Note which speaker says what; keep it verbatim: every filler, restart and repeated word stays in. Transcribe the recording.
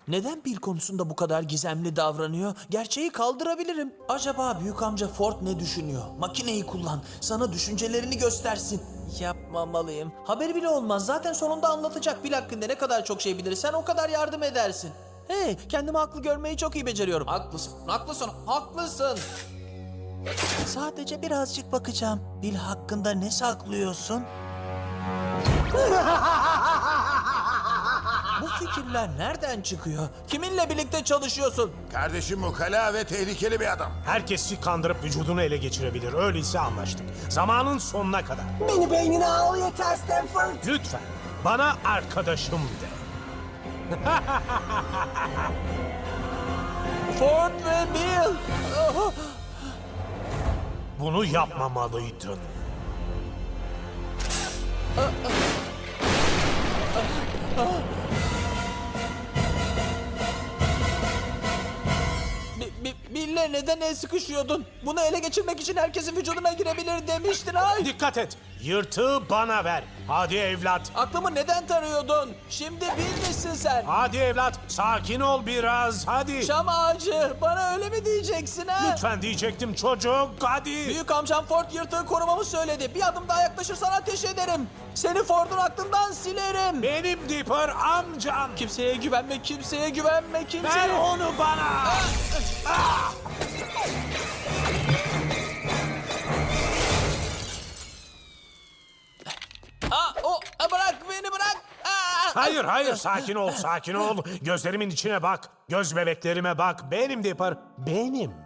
Speaker 1: Neden Bill konusunda bu kadar gizemli davranıyor? Gerçeği kaldırabilirim. Acaba büyük amca Ford ne düşünüyor? Makineyi kullan. Sana düşüncelerini göstersin. Yapmamalıyım. Haberi bile olmaz. Zaten sonunda anlatacak. Bill hakkında ne kadar çok şey bilirsen o kadar yardım edersin. Hey, kendimi haklı görmeyi çok iyi beceriyorum. Haklısın, haklısın, haklısın. Sadece birazcık bakacağım. Bill hakkında ne saklıyorsun? Bu fikirler nereden çıkıyor? Kiminle birlikte çalışıyorsun?
Speaker 2: Kardeşim ukala ve tehlikeli bir adam.
Speaker 3: Herkesi kandırıp vücudunu ele geçirebilir. Öyleyse anlaştık. Zamanın sonuna kadar.
Speaker 4: Beni beynine al yeter Stanford.
Speaker 3: Lütfen bana arkadaşım de.
Speaker 1: Ford ve Bill. Oh,
Speaker 3: Bunu yapmamalıydın.
Speaker 1: Bi- Bi- Bill'le neden el sıkışıyordun? Bunu ele geçirmek için herkesin vücuduna girebilir demiştin. Ay!
Speaker 3: Dikkat et. Yırtığı bana ver. Hadi evlat.
Speaker 1: Aklımı neden tarıyordun? Şimdi Bill misin sen?
Speaker 3: Hadi evlat. Sakin ol biraz. Hadi.
Speaker 1: Şam ağacı. Bana öyle mi diyeceksin ha?
Speaker 3: Lütfen diyecektim çocuk. Hadi.
Speaker 1: Büyük amcam Ford yırtığı korumamı söyledi. Bir adım daha yaklaşırsan ateş ederim. Seni Ford'un aklından silerim.
Speaker 3: Benim Dipper amcam.
Speaker 1: Kimseye güvenme, kimseye güvenme, kimseye...
Speaker 3: Ver onu bana. Ah!
Speaker 1: Aa, o, a, bırak beni bırak. Aa!
Speaker 3: Hayır hayır sakin ol sakin ol. Gözlerimin içine bak. Göz bebeklerime bak. Benim Dipper. Benim.